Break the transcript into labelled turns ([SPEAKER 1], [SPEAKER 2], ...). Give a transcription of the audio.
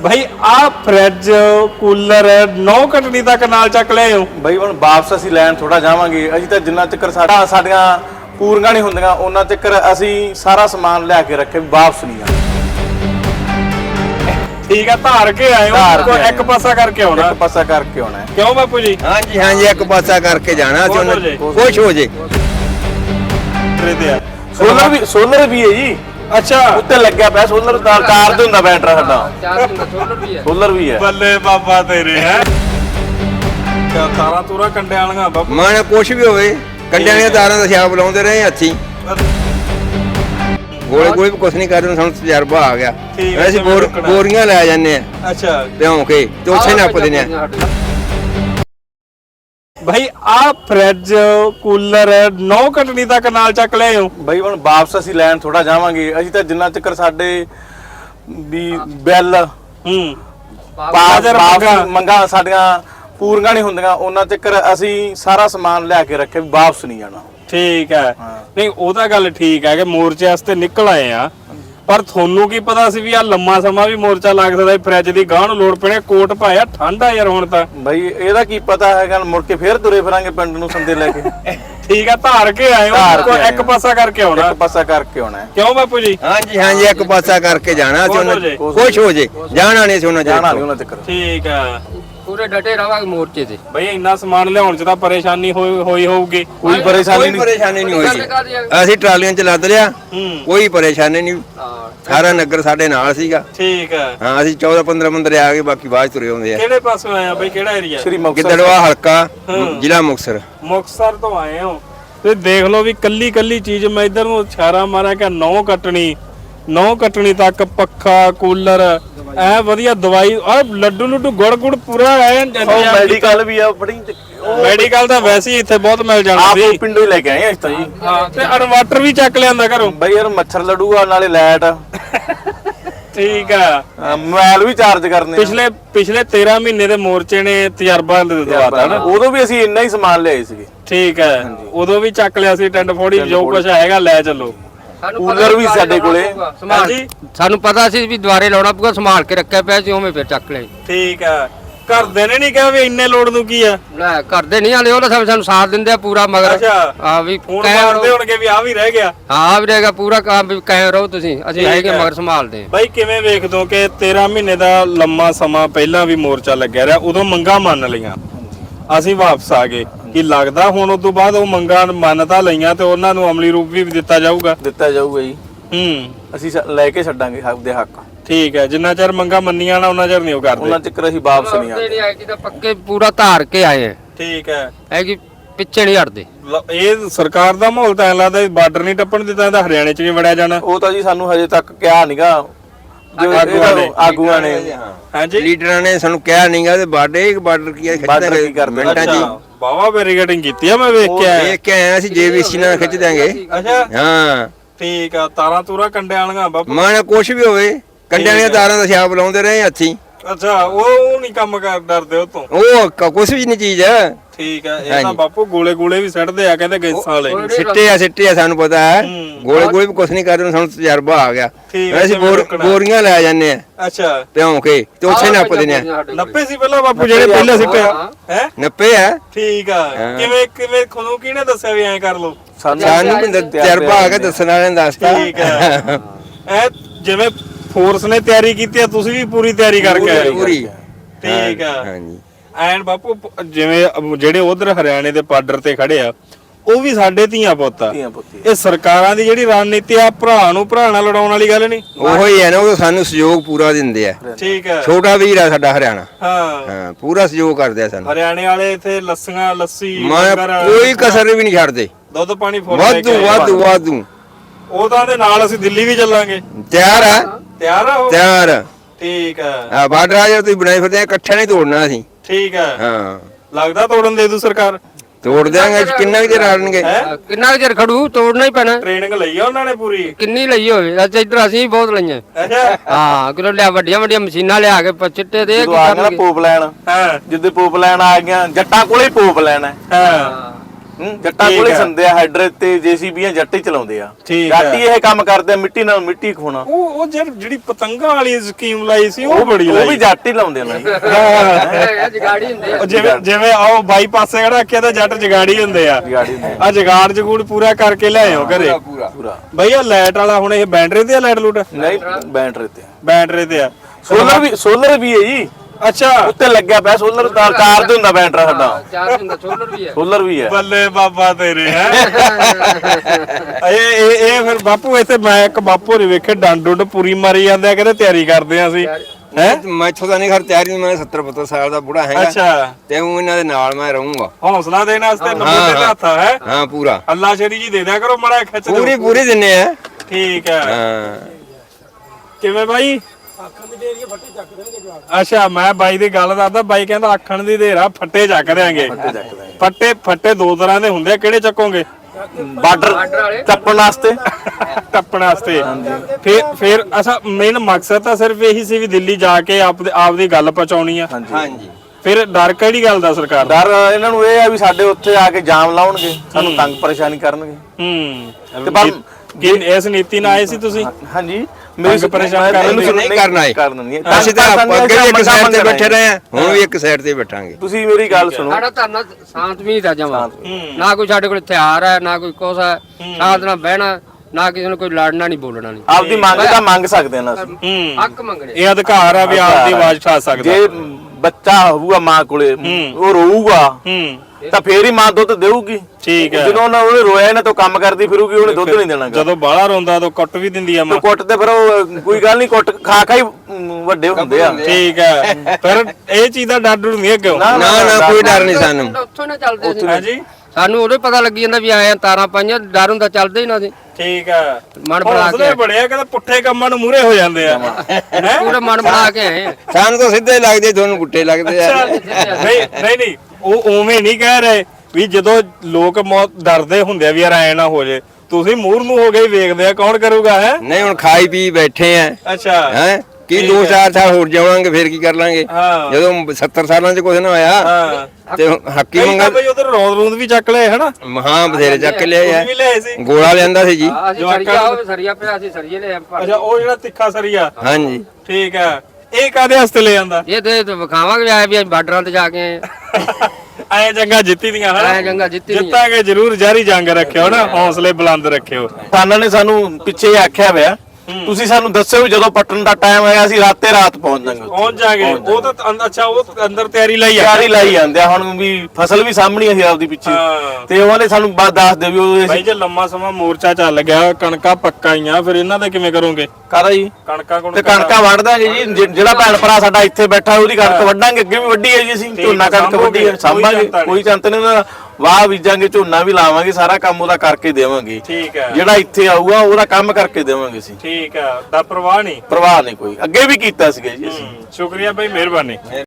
[SPEAKER 1] भाई आ fridge cooler नौ कटनी तक नाल चक ले हो
[SPEAKER 2] ਬਈ ਹੁਣ ਵਾਪਸ ਅਸੀਂ ਲੈਣ ਥੋੜਾ ਜਾਵਾਂਗੇ। ਅਸੀਂ ਤਾਂ ਜਿੰਨਾ ਚੱਕਰ ਸਾਡੀਆਂ ਪੂਰੀਆਂ ਨਹੀਂ ਹੁੰਦੀਆਂ ਉਹਨਾਂ ਚੱਕਰ ਅਸੀਂ ਸਾਰਾ ਸਮਾਨ ਲਿਆ ਕੇ ਰੱਖੇ, ਵਾਪਸ ਨਹੀਂ ਆਣਾ।
[SPEAKER 1] ठीक है, धार के आए हो, एक पासा करके आना,
[SPEAKER 2] ਇੱਕ ਪਾਸਾ ਕਰਕੇ ਆਉਣਾ ਹੈ।
[SPEAKER 1] क्यों बापू जी?
[SPEAKER 3] हाँ जी एक पासा करके जाना खुश हो जे।
[SPEAKER 2] ਸੋਲਰ ਵੀ ਹੈ ਜੀ।
[SPEAKER 1] अच्छा,
[SPEAKER 2] ਉੱਤੇ ਲੱਗਿਆ ਪਿਆ ਸੋਲਰ ਦਾ, ਚਾਰਜ ਹੁੰਦਾ ਬੈਟਰੀ ਸਾਡਾ। ਸੋਲਰ ਵੀ ਹੈ।
[SPEAKER 1] बल्ले बाबा तेरे है क्या तारा तूरा कंडे वालियां बापू?
[SPEAKER 3] मन कुछ भी होवे कंडियां दी तारां दा सियाप लाउंदे रहे हत्थी गोले कोई भी कुछ नहीं करदे। सानू तजर्बा आ गया।
[SPEAKER 1] ठीक है,
[SPEAKER 3] ਅਸੀਂ बोरियां ले जाने
[SPEAKER 1] अच्छा
[SPEAKER 3] ਭਿਉਂ ਕੇ ਤੇ ਉੱਥੇ ਨੱਪ ਦਿੰਦੇ ਆ।
[SPEAKER 1] भाई आ फ्रिज कूलर नौ कटनी तक नाल चक ले हो
[SPEAKER 2] ਬਈ ਹੁਣ ਵਾਪਸ ਅਸੀਂ ਲੈਣ ਥੋੜਾ ਜਾਵਾਂਗੇ। ਅਸੀਂ ਤਾਂ ਜਿੰਨਾ ਚੱਕਰ ਸਾਡੇ ਵੀ ਬਿੱਲ ਮੰਗਾ ਸਾਡੀਆਂ ਪੂਰੀਆਂ ਨਹੀਂ ਹੁੰਦੀਆਂ ਉਹਨਾਂ ਚੱਕਰ ਅਸੀਂ ਸਾਰਾ ਸਮਾਨ ਲਿਆ ਕੇ ਰੱਖੇ, ਵਾਪਸ ਨਹੀਂ ਜਾਣਾ।
[SPEAKER 1] ठीक है, नहीं ਉਹ ਤਾਂ ਗੱਲ ਠੀਕ ਹੈ ਕਿ ਮੋਰਚੇ ਵਾਸਤੇ ਨਿਕਲ ਆਏ ਆ, ਪਰ ਤੁਹਾਨੂੰ ਕੀ ਪਤਾ ਸੀ ਵੀ ਆ ਲੰਮਾ ਸਮਾਂ ਵੀ ਮੋਰਚਾ ਲੱਗ ਸਕਦਾ, ਫ੍ਰਿਜ ਦੀ ਗਾਹ ਨੂੰ ਲੋੜ ਪੈਣੇ, ਕੋਟ ਪਾਇਆ ਠੰਡਾ ਯਾਰ ਹੁਣ ਤਾਂ।
[SPEAKER 2] ਬਈ ਇਹਦਾ ਕੀ ਪਤਾ ਹੈਗਾ, ਮੁੜ ਕੇ ਫੇਰ ਤੁਰੇ ਫਿਰਾਂਗੇ ਪਿੰਡ ਨੂੰ ਸੰਦੇ ਲੈ ਕੇ।
[SPEAKER 1] ਠੀਕ ਆ, ਧਾਰ ਕੇ ਆਏ ਹੋ, ਇੱਕ ਪਾਸਾ ਕਰਕੇ ਆਉਣਾ,
[SPEAKER 2] ਇੱਕ ਪਾਸਾ ਕਰਕੇ ਆਉਣਾ ਹੈ।
[SPEAKER 1] ਕਿਉਂ ਬਾਪੂ ਜੀ?
[SPEAKER 3] हाँ जी एक पासा करके जाना खुश हो जे। जाना नहीं सोना
[SPEAKER 2] ਜਾਣਾ ਨਹੀਂ ਉਹਨਾਂ ਚੱਕਰ।
[SPEAKER 1] ਠੀਕ ਆ,
[SPEAKER 4] ਪੂਰੇ ਡਟੇ ਰਵਾਂਗੇ ਮੋਰਚੇ ਤੇ।
[SPEAKER 1] ਬਈ ਇੰਨਾ ਸਮਾਨ ਲਿਆਉਣ ਚ ਤਾਂ ਪਰੇਸ਼ਾਨੀ ਹੋਈ ਹੋਊਗੀ।
[SPEAKER 2] ਕੋਈ ਪਰੇਸ਼ਾਨੀ ਨਹੀਂ।
[SPEAKER 3] परेशानी नहीं होई ਅਸੀਂ ਟਰਾਲੀਆਂ ਚ ਲੱਦ ਲਿਆ, ਕੋਈ ਪਰੇਸ਼ਾਨੀ ਨਹੀਂ। ਸਾਰਾ ਨਗਰ ਸਾਡੇ ਨਾਲ ਸੀਗਾ।
[SPEAKER 1] ਠੀਕ ਆ,
[SPEAKER 3] ਹਾਂ ਅਸੀਂ 14-15 ਬੰਦੇ ਆ ਗਏ, ਬਾਕੀ ਬਾਅਦ ਤੁਰੇ ਆਉਂਦੇ ਆ।
[SPEAKER 1] ਕਿਹੜੇ ਪਾਸੋਂ ਆਏ ਆ ਬਈ, ਕਿਹੜਾ ਏਰੀਆ?
[SPEAKER 2] ਸ਼੍ਰੀ ਮੁਕਤਸਰ
[SPEAKER 3] ਗਿੱਦੜਵਾ ਹਲਕਾ ਜ਼ਿਲ੍ਹਾ ਮੁਕਤਸਰ।
[SPEAKER 1] ਮੁਕਤਸਰ ਤੋਂ ਆਏ ਹੋ ਤੇ ਦੇਖ ਲਓ ਵੀ ਕੱਲੀ ਕੱਲੀ ਚੀਜ਼ ਮੈਂ ਇਧਰ ਨੂੰ ਇਸ਼ਾਰਾ ਮਾਰਿਆ ਕਿ ਨੌ ਕੱਟਣੀ ਤੱਕ ਪੱਖਾ ਕੂਲਰ ਐ ਵਧੀਆ ਦਵਾਈ ਆ ਲੱਡੂ ਗੁੜ ਪੂਰਾ ਐ।
[SPEAKER 2] ਮੈਡੀਕਲ ਵੀ ਆ ਬੜੀ।
[SPEAKER 1] ਮੈਡੀਕਲ ਤਾਂ ਵੈਸੇ ਹੀ ਇੱਥੇ ਬਹੁਤ ਮਿਲ ਜਾਣਾ
[SPEAKER 2] ਆਪ
[SPEAKER 1] ਸੀ।
[SPEAKER 2] ਪਿੰਡੋਂ ਹੀ ਲੈ ਕੇ ਆਏ ਇਸ ਤਾਂ ਜੀ।
[SPEAKER 1] ਹਾਂ, ਤੇ ਇਨਵਰਟਰ ਵੀ ਚੱਕ ਲਿਆਂਦਾ ਘਰੋਂ।
[SPEAKER 2] ਬਈ ਯਾਰ ਮੱਛਰ ਲੜੂਗਾ ਨਾਲੇ ਲਾਈਟ।
[SPEAKER 1] ਠੀਕ ਆ,
[SPEAKER 2] ਮੋਬਾਈਲ ਵੀ ਚਾਰਜ ਕਰਨੇ।
[SPEAKER 1] ਪਿਛਲੇ 13 ਮਹੀਨੇ ਦੇ ਮੋਰਚੇ ਨੇ ਤਜਰਬਾ ਦਵਾਤਾ ਨਾ।
[SPEAKER 2] ਉਦੋਂ ਵੀ ਅਸੀਂ ਇੰਨਾ ਹੀ ਸਮਾਨ ਲਿਆਏ ਸੀਗੇ।
[SPEAKER 1] ਠੀਕ ਹੈ, ਉਦੋਂ ਵੀ ਚੱਕ ਲਿਆ ਸੀ ਟੈਂਟ ਫੋੜੀ, ਜੋ ਕੁਝ ਹੈਗਾ ਲੈ ਚੱਲੋ।
[SPEAKER 2] ਕੂਲਰ ਵੀ ਸਾਡੇ ਕੋਲੇ।
[SPEAKER 4] ਸਾਨੂੰ ਪਤਾ ਸੀ ਵੀ ਦੁਆਰੇ ਲਾਉਣਾ ਪਊਗਾ, ਸੰਭਾਲ ਕੇ ਰੱਖਿਆ ਪਿਆ ਸੀ, ਉਵੇਂ ਫਿਰ ਚੱਕ ਲਿਆ।
[SPEAKER 1] ਠੀਕ ਆ, ਘਰਦੇ ਨੇ ਨਹੀਂ ਕਿਹਾ ਵੀ ਇੰਨੇ ਲੋੜ ਨੂੰ ਕੀ ਆ?
[SPEAKER 4] ਲੈ ਕਰਦੇ ਨਹੀਂ ਆਲੇ, ਉਹ ਤਾਂ ਸਾਨੂੰ ਸਾਥ ਦਿੰਦੇ ਆ ਪੂਰਾ। ਮਗਰ
[SPEAKER 1] ਅੱਛਾ,
[SPEAKER 4] ਆ ਵੀ
[SPEAKER 1] ਫੋਨ ਕਰਦੇ ਹੋਣਗੇ ਵੀ ਆ ਵੀ ਰਹਿ ਗਿਆ।
[SPEAKER 4] ਹਾਂ ਵੀ ਰਹੇਗਾ ਪੂਰਾ ਕੰਮ, ਵੀ ਕਾਇਮ ਰਹੋ ਤੁਸੀਂ, ਅਸੀਂ ਹੈਗੇ ਮਗਰ ਸੰਭਾਲਦੇ।
[SPEAKER 1] ਬਾਈ ਕਿਵੇਂ ਵੇਖਦੇ ਹੋ ਕਿ 13 ਮਹੀਨੇ ਦਾ ਲੰਮਾ ਸਮਾਂ ਪਹਿਲਾਂ ਵੀ ਮੋਰਚਾ ਲੱਗਿਆ ਰਿਹਾ, ਉਦੋਂ ਮੰਗਾਂ ਮੰਨ ਲਈਆਂ, ਅਸੀਂ ਵਾਪਸ ਆ ਗਏ, ਕੀ ਲੱਗਦਾ ਹੁਣ ਉਸ ਤੋਂ ਬਾਅਦ ਉਹ ਮੰਗਾਂ ਮੰਨ ਤਾਂ ਲਈਆਂ ਤੇ ਉਹਨਾਂ ਨੂੰ ਅਮਲੀ ਰੂਪ ਵੀ ਦਿੱਤਾ ਜਾਊਗਾ ਜੀ? ਅਸੀਂ ਲੈ ਕੇ ਛੱਡਾਂਗੇ ਹੱਕ ਦੇ ਹੱਕ। ਠੀਕ ਹੈ, ਜਿੰਨਾ ਚਿਰ ਮੰਗਾਂ ਮੰਨੀਆਂ ਨਾ ਉਹਨਾਂ ਚਿਰ ਨਹੀਂ ਉਹ ਕਰਦੇ।
[SPEAKER 2] ਉਹਨਾਂ ਚਿਰ ਅਸੀਂ ਵਾਪਸ ਨਹੀਂ ਆਉਂਦੇ।
[SPEAKER 4] ਐਗੀ ਤਾਂ ਪੱਕੇ ਪੂਰਾ ਧਾਰ ਕੇ ਆਏ ਆ।
[SPEAKER 1] ਠੀਕ ਹੈ,
[SPEAKER 4] ਐਗੀ ਪਿੱਛੇ ਨਹੀਂ ਹਟਦੇ।
[SPEAKER 1] ਇਹ ਸਰਕਾਰ ਦਾ ਮਾਹੌਲ ਤਾਂ ਐਂ ਲੱਗਦਾ ਬਾਰਡਰ ਨਹੀਂ ਟੱਪਣ ਦਿੱਤਾ, ਇਹਦਾ ਹਰਿਆਣੇ 'ਚ ਨਹੀਂ ਵੜਿਆ ਜਾਣਾ।
[SPEAKER 2] ਉਹ ਤਾਂ ਜੀ ਸਾਨੂੰ ਹਜੇ ਤੱਕ ਕਿਹਾ ਨਹੀਂਗਾ ਆਗੂਆਂ ਨੇ।
[SPEAKER 1] ਹਾਂਜੀ,
[SPEAKER 3] ਲੀਡਰਾਂ ਨੇ ਸਾਨੂੰ ਕਿਹਾ ਨਹੀਂਗਾ ਤੇ ਬਾਰਡਰ ਕੀ ਮਿੰਟਾਂ ਜੀ
[SPEAKER 1] ਬਾਵਾ ਬੈਰੀਕੇਡਿੰਗ ਕੀਤੀ ਆ, ਮੈਂ ਵੇਖ
[SPEAKER 3] ਕੇ ਆਇਆ ਸੀ। ਜੇਬੀਸੀ ਨਾਲ ਖਿੱਚ ਦਾਂਗੇ।
[SPEAKER 1] ਅੱਛਾ,
[SPEAKER 3] ਹਾਂ
[SPEAKER 1] ਠੀਕ ਆ, ਤਾਰਾਂ ਤੂਰਾ ਕੰਡੇ ਵਾਲੀਆਂ ਬਾਪੂ?
[SPEAKER 3] ਮਨ ਕੁਛ ਵੀ ਹੋਵੇ ਕੰਡਿਆਂ ਦੀਆਂ ਤਾਰਾਂ ਦਾ ਸਿਆਪ ਲਾਉਂਦੇ ਰਹੇ ਹੱਥੀ।
[SPEAKER 1] ਅੱਛਾ, ਉਹ ਨਹੀਂ ਕੰਮ ਕਰ ਡਰਦੇ ਉਹ ਤੋਂ?
[SPEAKER 3] ਉਹ ਕੁਛ ਵੀ ਨਹੀਂ ਚੀਜ਼।
[SPEAKER 1] ਠੀਕ ਹੈ, ਇਹ ਤਾਂ ਬਾਪੂ ਗੋਲੇ ਵੀ ਸੱਟਦੇ ਆ, ਕਹਿੰਦੇ ਗੈਸਾਂ ਵਾਲੇ।
[SPEAKER 3] ਸਿੱਟੇ ਆ ਸਾਨੂੰ ਪਤਾ ਹੈ। ਗੋਲੇ ਵੀ ਕੁਛ ਨਹੀਂ ਕਰਦੇ, ਸਾਨੂੰ ਤਜਰਬਾ ਆ ਗਿਆ। ਅਸੀਂ ਬੋਰੀਆਂ ਲੈ ਜਾਂਦੇ ਆ,
[SPEAKER 1] ਅੱਛਾ,
[SPEAKER 3] ਭਿਉਂ ਕੇ ਤੇ ਉੱਥੇ ਨੱਪ ਦਿੰਦੇ ਆ।
[SPEAKER 1] ਨੱਪੇ ਸੀ ਪਹਿਲਾਂ ਬਾਪੂ ਜਿਹੜੇ ਪਹਿਲਾਂ ਸਿੱਟੇ ਹੈ?
[SPEAKER 3] ਨੱਪੇ ਆ।
[SPEAKER 1] ਠੀਕ ਆ, ਕਿਵੇਂ ਖੁਨੂੰ ਕਿਹਨੇ ਦੱਸਿਆ ਵੀ ਐਂ ਕਰ ਲੋ?
[SPEAKER 3] ਸਾਨੂੰ ਤਜਰਬਾ ਆ ਗਿਆ, ਦੱਸਣ ਵਾਲਿਆਂ ਨੇ ਦੱਸਤਾ।
[SPEAKER 1] ਠੀਕ ਹੈ, ਇਹ ਜਿਵੇਂ ਫੋਰਸ ਨੇ ਤਿਆਰੀ ਕੀਤੀ ਆ, ਤੁਸੀਂ ਵੀ ਪੂਰੀ ਤਿਆਰੀ ਕਰਕੇ ਆਏ?
[SPEAKER 3] ਪੂਰੀ।
[SPEAKER 1] ਠੀਕ ਆ,
[SPEAKER 3] ਹਾਂਜੀ।
[SPEAKER 1] ਐਨ ਬਾਪੂ ਜਿਵੇਂ ਜਿਹੜੇ ਉਧਰ ਹਰਿਆਣੇ ਦੇ ਬਾਰਡਰ ਤੇ ਖੜੇ ਆ, ਉਹ ਵੀ ਸਾਡੇ ਧੀਆਂ ਪੁੱਤ ਆ। ਇਹ ਸਰਕਾਰਾਂ ਦੀ ਜਿਹੜੀ ਰਣਨੀਤੀ ਆ, ਭਰਾ ਨਾਲ ਲੜਾਉਣ ਵਾਲੀ ਗੱਲ ਨਹੀਂ।
[SPEAKER 3] ਉਹੋ ਹੀ ਹੈ ਨਾ, ਉਹ ਸਾਨੂੰ ਸਹਿਯੋਗ ਪੂਰਾ ਦਿੰਦੇ ਆ।
[SPEAKER 1] ਠੀਕ ਹੈ,
[SPEAKER 3] ਛੋਟਾ ਵੀਰ ਆ ਸਾਡਾ ਹਰਿਆਣਾ।
[SPEAKER 1] ਹਾਂ,
[SPEAKER 3] ਪੂਰਾ ਸਹਿਯੋਗ ਕਰਦੇ ਆ ਸਾਨੂੰ।
[SPEAKER 1] ਹਰਿਆਣੇ ਵਾਲੇ ਇੱਥੇ ਲੱਸੀ
[SPEAKER 3] ਕੋਈ ਕਸਰ ਵੀ ਨਹੀਂ ਛੱਡਦੇ।
[SPEAKER 1] ਦੁੱਧ ਪਾਣੀ ਫੁੱਲ
[SPEAKER 3] ਵਾਧੂ।
[SPEAKER 1] ਉਹ ਤਾਂ ਦੇ ਨਾਲ ਅਸੀਂ ਦਿੱਲੀ ਵੀ ਚੱਲਾਂਗੇ।
[SPEAKER 3] ਤਿਆਰ ਆ। ਤਿਆਰ।
[SPEAKER 1] ਠੀਕ ਆ,
[SPEAKER 3] ਬਾਰਡਰ ਆ ਜਾ ਤੁਸੀਂ ਬਣਾਈ ਫਿਰਦੇ ਆ, ਇਕੱਠੇ ਨਹੀਂ ਤੋੜਨਾ ਅਸੀਂ।
[SPEAKER 1] ਠੀਕ ਆ,
[SPEAKER 3] ਹਾਂ,
[SPEAKER 1] ਲੱਗਦਾ ਤੋੜਨ ਦੇ ਦੂ ਸਰਕਾਰ?
[SPEAKER 3] ਤੋੜ ਦਿਆਂਗੇ। ਕਿੰਨਾ ਚਿਰ ਹਾਰਨਗੇ?
[SPEAKER 4] ਕਿੰਨਾ ਚਿਰ ਖੜੂ, ਤੋੜਨਾ ਹੀ ਪੈਣਾ।
[SPEAKER 1] ਟ੍ਰੇਨਿੰਗ ਲਈ ਆ ਉਹਨਾਂ ਨੇ ਪੂਰੀ?
[SPEAKER 4] ਕਿੰਨੀ ਲਈ ਹੋਵੇ? ਅੱਛਾ, ਇੱਧਰ ਅਸੀਂ ਬਹੁਤ ਲਈਆਂ।
[SPEAKER 1] ਅੱਛਾ,
[SPEAKER 4] ਹਾਂ, ਕਿਲੋ ਲਿਆ ਵੱਡੀਆਂ ਮਸ਼ੀਨਾਂ ਲਿਆ ਕੇ ਚਿੱਟੇ ਦੇ
[SPEAKER 2] ਪੋਪ ਲੈਣ।
[SPEAKER 1] ਹਾਂ,
[SPEAKER 2] ਜਿੱਦੇ ਪੋਪ ਲੈਣ ਆ ਗਿਆ, ਜੱਟਾਂ ਕੋਲੇ ਪੋਪ ਲੈਣਾ।
[SPEAKER 1] ਹਾਂ,
[SPEAKER 2] ਜੱਟਾਂ ਕੋਲੇ ਸੰਦੇ ਆ ਹੈਡਰ ਤੇ ਜੀਸੀਬੀਆਂ ਜੱਟ ਹੀ ਚਲਾਉਂਦੇ ਆ।
[SPEAKER 1] ਠੀਕ
[SPEAKER 2] ਜੱਟ ਹੀ ਇਹ ਕੰਮ ਕਰਦੇ ਆ, ਮਿੱਟੀ ਨਾਲ ਮਿੱਟੀ ਖੋਣਾ।
[SPEAKER 1] ਉਹ ਜਿਹੜੀ ਪਤੰਗਾਂ ਵਾਲੀ ਸਕੀਮ ਲਾਈ ਸੀ ਉਹ ਬੜੀ
[SPEAKER 2] ਉਹ ਵੀ
[SPEAKER 1] ਲਾਈ।
[SPEAKER 2] ਜੱਟ ਹੀ ਲਾਉਂਦੇ ਨੇ।
[SPEAKER 4] ਜਗਾੜੀ ਹੁੰਦੇ
[SPEAKER 1] ਉਹ ਜਿਵੇਂ ਆਓ ਬਾਈ ਪਾਸੇ ਖੜਾ ਰੱਖਿਆ ਤਾਂ ਜੱਟ ਜਗਾੜੀ ਹੁੰਦੇ ਆ। ਆ ਜਗਾੜ ਜਗੂੜ ਪੂਰਾ ਕਰਕੇ ਲਿਆਇਓ ਘਰੇ
[SPEAKER 2] ਪੂਰਾ
[SPEAKER 1] ਬਈ। ਆ ਲਾਈਟ ਵਾਲਾ ਹੁਣ ਇਹ ਬੈਟਰੀ ਤੇ ਆ ਲਾਈਟ ਲੂਟ?
[SPEAKER 2] ਨਹੀਂ ਬੈਟਰੀ ਤੇ,
[SPEAKER 1] ਬੈਟਰੀ ਤੇ ਆ।
[SPEAKER 2] ਸੋਲਰ ਵੀ ਹੈ ਜੀ।
[SPEAKER 1] ਅੱਛਾ
[SPEAKER 2] ਉੱਤੇ ਲੱਗਿਆ ਪਿਆ ਸੋਲਰ, ਚਾਰਜ ਹੁੰਦਾ ਬੈਟਰਾ ਸਾਡਾ।
[SPEAKER 4] ਚਾਰ ਹੁੰਦਾ,
[SPEAKER 2] ਸੋਲਰ ਵੀ ਹੈ।
[SPEAKER 1] ਬੱਲੇ ਬਾਬਾ ਤੇਰੇ ਹੈ। ਇਹ ਫਿਰ ਬਾਪੂ ਇੱਥੇ ਮੈਂ ਇੱਕ ਬਾਪੂ ਨੇ ਵੇਖੇ ਡੰਡ ਡੁੰਡ ਪੂਰੀ ਮਾਰੀ ਜਾਂਦੇ ਆ, ਕਹਿੰਦੇ ਤਿਆਰੀ ਕਰਦੇ ਆ ਅਸੀਂ ਹੈ।
[SPEAKER 3] ਮੈਥੋਂ ਤਾਂ ਨਹੀਂ ਖਰ ਤਿਆਰੀ, ਮੈਂ 70-72 ਸਾਲ ਦਾ ਬੁੜਾ ਹੈਗਾ।
[SPEAKER 1] ਅੱਛਾ
[SPEAKER 3] ਤੇ ਉਹ ਇਹਨਾਂ ਦੇ ਨਾਲ ਮੈਂ ਰਹੂੰਗਾ।
[SPEAKER 1] ਹੌਸਲਾ ਦੇਣ ਵਾਸਤੇ ਨੰਬਰ ਤੇ ਹੱਥ ਹੈ।
[SPEAKER 3] ਹਾਂ ਪੂਰਾ
[SPEAKER 1] ਅੱਲਾ ਸ਼ਰੀ ਜੀ ਦੇ ਦਿਆ ਕਰੋ ਮੜਾ ਖਿੱਚ ਦਿਓ।
[SPEAKER 3] ਪੂਰੀ ਦਿੰਨੇ ਆ।
[SPEAKER 1] ਠੀਕ ਹੈ।
[SPEAKER 3] ਹਾਂ
[SPEAKER 1] ਕਿਵੇਂ ਬਾਈ? ਅੱਛਾ ਮੈਂ ਬਾਈ ਦੀ ਗੱਲ ਦੱਸਦਾ। ਬਾਈ ਕਹਿੰਦਾ ਆਖਣ ਦੀ ਦੇਰ ਆ, ਫੱਟੇ ਚੱਕ ਦਿਆਂਗੇ। ਫੱਟੇ ਦੋ ਤਰ੍ਹਾਂ ਦੇ ਹੁੰਦੇ ਆ, ਕਿਹੜੇ ਚੱਕੋਗੇ?
[SPEAKER 2] ਬਾਰਡਰ ਟੱਪਣ ਵਾਸਤੇ।
[SPEAKER 1] ਟੱਪਣ ਵਾਸਤੇ। ਫਿਰ ਅਸਾ ਮੇਨ ਮਕਸਦ ਤਾਂ ਸਿਰਫ ਇਹੀ ਸੀ ਵੀ ਦਿੱਲੀ ਜਾ ਕੇ ਆਪਦੀ ਗੱਲ ਪਹੁੰਚਾਉਣੀ ਆ।
[SPEAKER 3] ਹਾਂਜੀ।
[SPEAKER 1] ਫਿਰ ਡਰ ਕਿਹੜੀ ਗੱਲ ਦਾ ਸਰਕਾਰ ਦਾ?
[SPEAKER 2] ਡਰ ਇਹਨਾਂ ਨੂੰ ਇਹ ਆ ਵੀ ਸਾਡੇ ਉੱਥੇ ਆ ਕੇ ਜਾਮ ਲਾਉਣਗੇ, ਸਾਨੂੰ ਤੰਗ ਪਰੇਸ਼ਾਨੀ ਕਰਨਗੇ।
[SPEAKER 1] ਤੇ ਪਰ ਇਸ ਨੀਤੀ ਨਾਲ ਆਏ ਸੀ ਤੁਸੀਂ?
[SPEAKER 2] ਹਾਂਜੀ
[SPEAKER 1] ਮੇਰੀ ਪਰੇਸ਼ਾਨ
[SPEAKER 3] ਨਹੀਂ ਕਰਨਾ ਹੈ। ਅਸੀਂ ਤਾਂ ਅੱਗੇ ਵੀ ਇੱਕ ਸਾਈਡ ਤੇ ਬੈਠੇ ਰਹੇ ਆ, ਹੁਣ ਵੀ ਇੱਕ ਸਾਈਡ ਤੇ ਬੈਠਾਂਗੇ।
[SPEAKER 2] ਤੁਸੀਂ ਮੇਰੀ ਗੱਲ ਸੁਣੋ।
[SPEAKER 4] ਸਾਡਾ ਧਰਨਾ ਸ਼ਾਂਤਮਈ ਦਾ ਜਮਾ, ਨਾ ਕੋਈ ਸਾਡੇ ਕੋਲ ਹਥਿਆਰ ਹੈ, ਨਾ ਕੋਈ ਕੁਛ ਹੈ। ਸ਼ਾਂਤ ਨਾਲ ਬਹਿਣਾ, ਨਾ ਕਿਸੇ ਨੂੰ ਕੋਈ ਲੜਨਾ ਨਹੀਂ, ਬੋਲਣਾ ਨਹੀਂ।
[SPEAKER 2] ਆਪਦੀ ਮੰਗ ਤਾਂ ਮੰਗ ਸਕਦੇ ਆ ਨਾ ਅਸੀਂ।
[SPEAKER 4] ਹੱਕ ਮੰਗਣੇ।
[SPEAKER 1] ਇਹ ਅਧਿਕਾਰ ਆ ਵੀ ਆਪਦੀ ਆਵਾਜ਼ ਉਠਾ ਸਕਦਾ।
[SPEAKER 2] ਜੇ ਬੱਚਾ ਹੋਊਗਾ ਮਾਂ ਕੋਲੇ, ਉਹ ਰੋਊਗਾ ਤਾਂ ਫੇਰ ਹੀ ਮਾਂ ਦੁੱਧ ਦੇਊਗੀ।
[SPEAKER 1] ਠੀਕ ਹੈ।
[SPEAKER 2] ਜਦੋਂ ਉਹਨੇ ਰੋਇਆ ਇਹਨਾਂ ਤੋਂ ਕੰਮ ਕਰਦੀ ਫਿਰੂਗੀ, ਉਹਨੇ ਦੁੱਧ ਨਹੀਂ ਦੇਣਾ।
[SPEAKER 1] ਜਦੋਂ ਬਾਹਲਾ ਰੋਂਦਾ ਤਾਂ ਕੁੱਟ ਵੀ ਦਿੰਦੀ ਆ ਮਾਂ।
[SPEAKER 2] ਕੁੱਟ ਤੇ ਫਿਰ ਉਹ ਕੋਈ ਗੱਲ ਨਹੀਂ, ਕੁੱਟ ਖਾ ਖਾ ਹੀ ਵੱਡੇ ਹੁੰਦੇ ਆ।
[SPEAKER 1] ਠੀਕ ਹੈ। ਪਰ ਇਹ ਚੀਜ਼ ਦਾ ਡਰ ਡਰ ਨਹੀਂ ਕਿਉਂ?
[SPEAKER 3] ਨਾ ਕੋਈ ਡਰ ਨਹੀਂ ਸਾਨੂੰ।
[SPEAKER 4] ਉੱਥੋਂ ਨਾ ਚੱਲਦੇ ਸੀ।
[SPEAKER 1] ਹਾਂਜੀ
[SPEAKER 4] ਸਾਨੂੰ ਉਦੋਂ ਪਤਾ ਲੱਗੀ ਜਾਂਦਾ ਵੀ ਆਏ ਤਾਰਾਂ ਪਾਈਆਂ, ਡਰ ਹੁੰਦਾ, ਚੱਲਦੇ ਹੀ ਨਾ ਸੀ।
[SPEAKER 1] ਠੀਕ ਹੈ।
[SPEAKER 4] ਮਨ ਬਣਾ ਕੇ
[SPEAKER 1] ਬੜਿਆ ਕਹਿੰਦਾ ਪੁੱਠੇ ਕੰਮਾਂ ਨੂੰ ਮੂਹਰੇ ਹੋ ਜਾਂਦੇ ਆ।
[SPEAKER 4] ਪੂਰਾ ਮਨ ਬਣਾ ਕੇ ਆਏ।
[SPEAKER 3] ਸਾਨੂੰ ਤਾਂ ਸਿੱਧੇ ਲੱਗਦੇ, ਤੁਹਾਨੂੰ ਪੁੱਠੇ ਲੱਗਦੇ ਆ।
[SPEAKER 1] ਨਹੀਂ ਉਹ ਉਵੇਂ ਨਹੀਂ ਕਹਿ ਰਹੇ ਵੀ ਜਦੋਂ ਲੋਕ ਡਰਦੇ ਹੁੰਦੇ ਆ ਵੀ ਯਾਰ ਐ ਨਾ ਹੋ ਜੇ, ਤੁਸੀਂ ਮੂਹਰ ਨੂੰ ਹੋ ਗਏ ਵੇਖਦੇ ਆ, ਕੌਣ ਕਰੂਗਾ ਹੈ?
[SPEAKER 3] ਨਹੀਂ ਹੁਣ ਖਾਈ ਪੀ ਬੈਠੇ ਆ।
[SPEAKER 1] ਅੱਛਾ
[SPEAKER 3] ਹੈ ਕੀ 2-4 ਸਾਲ ਹੋਰ ਜਾਵਾਂਗੇ, ਫੇਰ ਕੀ ਕਰ ਲਾਂਗੇ?
[SPEAKER 1] ਹਾਂ।
[SPEAKER 3] ਜਦੋਂ 70 ਸਾਲਾਂ 'ਚ ਕੁਝ ਨਾ ਹੋਇਆ
[SPEAKER 1] ਹਾਂ
[SPEAKER 3] ਤੇ ਹੱਕੀ ਮੰਗਾ।
[SPEAKER 1] ਬਈ ਉਧਰ ਰੋਂਦ ਵੀ ਚੱਕ ਲਏ ਹਨਾ?
[SPEAKER 3] ਹਾਂ ਬਥੇਰੇ ਚੱਕ ਕੇ ਲਿਆਏ ਆ।
[SPEAKER 1] ਵੀ ਲਏ ਸੀ।
[SPEAKER 3] ਗੋਲਾ ਲਿਆਂਦਾ ਸੀ ਜੀ।
[SPEAKER 4] ਅਸੀਂ ਸਰੀਆ ਪਿਆ, ਅਸੀਂ ਸਰੀਏ ਲੈ
[SPEAKER 1] ਅੱਛਾ ਉਹ ਜਿਹੜਾ ਤਿੱਖਾ ਸਰੀਆ।
[SPEAKER 3] ਹਾਂਜੀ।
[SPEAKER 1] ਠੀਕ ਹੈ। ਇਹ ਕਾਦੇ ਵਾਸਤੇ ਲੈ ਜਾਂਦਾ?
[SPEAKER 4] ਇਹ ਤੇ ਵਿਖਾਵਾਂਗੇ ਆਏ ਵੀ ਬਾਰਡਰਾਂ ਤੇ ਜਾ ਕੇ
[SPEAKER 1] ਐ ਜੰਗਾਂ ਜਿੱਤੀ ਦੀਆਂ ਹਨਾ?
[SPEAKER 4] ਐ ਜੰਗਾਂ
[SPEAKER 1] ਜਿੱਤਾਂਗੇ ਜ਼ਰੂਰ। ਜਾਰੀ ਜੰਗ ਰੱਖਿਓ ਨਾ, ਹੌਸਲੇ ਬੁਲੰਦ ਰੱਖਿਓ।
[SPEAKER 2] ਕਿਸਾਨਾਂ ਨੇ ਸਾਨੂੰ ਪਿੱਛੇ ਆਖਿਆ ਹੋਇਆ, ਤੁਸੀਂ ਸਾਨੂੰ ਦੱਸਿਓ ਜਦੋਂ ਪੱਟਣ ਦਾ ਟਾਈਮ ਆਇਆ, ਅਸੀਂ ਰਾਤੇ ਰਾਤ ਪਹੁੰਚ ਜਾਾਂਗੇ।
[SPEAKER 1] ਉਹ ਤਾਂ ਅੱਛਾ ਉਹ ਅੰਦਰ ਤਿਆਰੀ ਲਈ ਆ।
[SPEAKER 2] ਤਿਆਰੀ ਲਾਈ ਜਾਂਦੇ ਆ। ਹੁਣ ਵੀ ਫਸਲ ਵੀ ਸਾਹਮਣੀ ਅਸੀਂ ਆਪਦੀ ਪਿੱਛੇ, ਤੇ ਉਹਨਾਂ ਨੇ ਸਾਨੂੰ ਬਾਅਦ ਦੱਸ ਦਿਓ ਵੀ ਉਹ
[SPEAKER 1] ਭਾਈ ਜੇ ਲੰਮਾ ਸਮਾਂ ਮੋਰਚਾ ਚੱਲ ਗਿਆ, ਕਣਕਾਂ ਪੱਕਾਈਆਂ, ਫਿਰ ਇਹਨਾਂ ਦਾ ਕਿਵੇਂ ਕਰੋਗੇ?
[SPEAKER 2] ਕਾਹਦਾ ਜੀ?
[SPEAKER 1] ਕਣਕਾਂ ਕੋਲ
[SPEAKER 2] ਤੇ ਕਣਕਾਂ ਵੱਢ ਦਾਂਗੇ ਜੀ। ਜਿਹੜਾ ਭੈਣ ਭਰਾ ਸਾਡਾ ਇੱਥੇ ਬੈਠਾ ਉਹਦੀ ਕਣਕ ਵੱਢਾਂਗੇ। ਅੱਗੇ ਵੀ ਵੱਢੀ ਹੈ ਜੀ ਅਸੀਂ, ਝੋਨਾ ਕਣਕ ਵੱਢੀ ਹੈ, ਸਾਂਭਾਂਗੇ, ਕੋਈ ਚੰਤ ਨਹੀਂ। ਉਹਨਾਂ ਦਾ ਵਾਹ ਬੀਜਾਂਗੇ, ਝੋਨਾ ਵੀ ਲਾਵਾਂਗੇ, ਸਾਰਾ ਕੰਮ ਉਹਦਾ ਕਰਕੇ ਦੇਵਾਂਗੇ।
[SPEAKER 1] ਠੀਕ ਹੈ।
[SPEAKER 2] ਜਿਹੜਾ ਇੱਥੇ ਆਊਗਾ ਉਹਦਾ ਕੰਮ ਕਰਕੇ ਦੇਵਾਂਗੇ ਅਸੀਂ।
[SPEAKER 1] ਠੀਕ ਹੈ। ਦਾ ਪਰਵਾਹ ਨਹੀਂ
[SPEAKER 2] ਕੋਈ। ਅੱਗੇ ਵੀ ਕੀਤਾ ਸੀਗਾ ਜੀ ਅਸੀਂ।
[SPEAKER 1] ਸ਼ੁਕਰੀਆ ਭਾਈ, ਮਿਹਰਬਾਨੀ।